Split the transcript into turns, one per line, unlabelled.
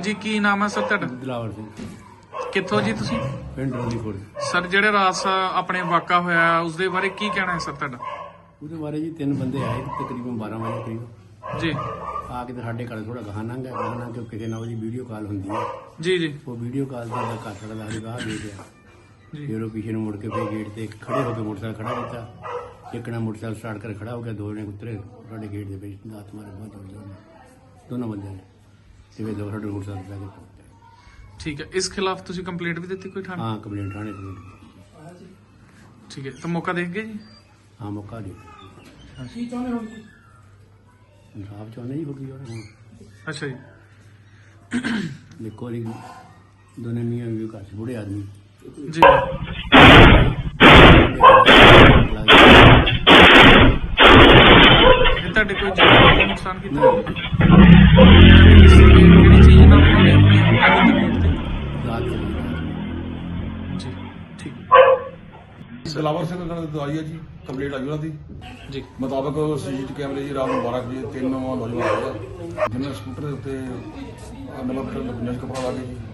ਹਾਂਜੀ ਕੀ ਨਾਮ ਹੈ ਸਰ ਤੁਹਾਡਾ?
ਦਿਲਾਵਰ ਸਿੰਘ
ਕਿੱਥੋਂ ਜੀ ਤੁਸੀਂ?
ਪਿੰਡ ਰੋਲੀਪੁਰ।
ਸਰ ਜਿਹੜੇ ਰਾਤ ਆਪਣੇ ਵਾਕਾ ਹੋਇਆ ਉਸ ਦੇ ਬਾਰੇ ਕੀ ਕਹਿਣਾ ਹੈ ਸਰ ਤੁਹਾਡਾ?
ਉਹਦੇ ਬਾਰੇ ਜੀ 3 ਬੰਦੇ ਆਏ ਤਕਰੀਬਨ 12 ਵਜੇ ਕਰੀਬ
ਜੀ
ਆ ਕੇ ਤੇ ਸਾਡੇ ਘਰ ਥੋੜਾ ਗਾਣਾ ਕਿ ਕਿਸੇ ਨਾਲ ਉਹਦੀ ਵੀਡੀਓ ਕਾਲ ਹੁੰਦੀ ਹੈ।
ਜੀ ਜੀ
ਉਹ ਵੀਡੀਓ ਕਾਲ ਦਾ ਘਰ ਸਾਡਾ ਦਾ ਬਾਹਰ ਦੇ ਗਿਆ।
ਜੀ
ਫਿਰ ਉਹ ਪਿੱਛੇ ਨੂੰ ਮੁੜ ਕੇ ਫਿਰ ਗੇਟ ਤੇ ਖੜੇ ਹੋ ਕੇ ਮੋਟਰਸਾਈਕਲ ਖੜਾ ਕੀਤਾ। ਇੱਕ ਨੇ ਮੋਟਰਸਾਈਕਲ ਸਟਾਰਟ ਕਰ ਖੜਾ ਹੋ ਗਿਆ, 2 ਜਣੇ ਉਤਰੇ ਸਾਡੇ ਗੇਟ ਦੇ ਵਿੱਚ ਦਾਤ ਮਾਰੇ ਬਹੁਤ ਜ਼ੋਰ ਦੋਨੋਂ ਬੰਦਿਆਂ ਨੇ ਤੇ ਫਿਰ ਸਾਡੇ ਮੋਟਰਸਾਈਕਲ ਲੈ ਕੇ ਪਹੁੰਚੇ।
ਠੀਕ ਹੈ, ਇਸ ਖਿਲਾਫ ਤੁਸੀਂ ਕੰਪਲੇਂਟ ਵੀ ਦਿੱਤੀ ਕੋਈ ਥਾਣੇ?
ਹਾਂ ਕੰਪਲੇਂਟ ਥਾਣੇ ਤੇ।
ਠੀਕ ਹੈ, ਤਾਂ ਮੌਕਾ ਦੇਖ ਗਏ ਜੀ?
ਹਾਂ ਮੌਕਾ ਦੇ
ਕੀ ਚਾਹੁੰਦੇ ਹੋ ਜੀ?
ਇਨਸਾਫ ਚਾਹੁੰਦੇ ਜੀ ਹੋਗੀ ਹੁਣ।
ਅੱਛਾ ਜੀ,
ਦੇਖੋ ਜੀ ਦੋਨੇ ਮੀਆਂ ਵੀ ਘਰ 'ਚ ਬੁੜੇ ਆਦਮੀ
ਜੀ ਇਹ ਤੁਹਾਡੇ ਕੋਈ ਜਾਨ ਦਾ ਨੁਕਸਾਨ ਕੀਤਾ? ਕਿਹੜੀ ਚੀਜ਼ ਨਾਲ ਉਹਨਾਂ ਨੇ ਆਪਣੀ ਅੱਗ ਤੇ
ਰਾਤ
ਜੀ? ਠੀਕ
ਦਿਲਾਵਰ ਸਿੰਘ ਨਾਲ ਦਵਾਈ ਹੈ ਜੀ, ਕੰਪਲੀਟ ਆਈ ਉਹਨਾਂ ਦੀ
ਜੀ
ਮੁਤਾਬਕ ਸੀਸੀਟੀ ਕੈਮਰੇ ਜੀ ਰਾਤ ਨੂੰ 12 ਵਜੇ 3 ਨੌਜਵਾਨ ਆਏ ਆ ਜਿਨ੍ਹਾਂ ਸਕੂਟਰ ਦੇ ਉੱਤੇ ਨਵਾਂ ਪਿੰਡ ਕਪੜਾ ਲਾ ਕੇ ਜੀ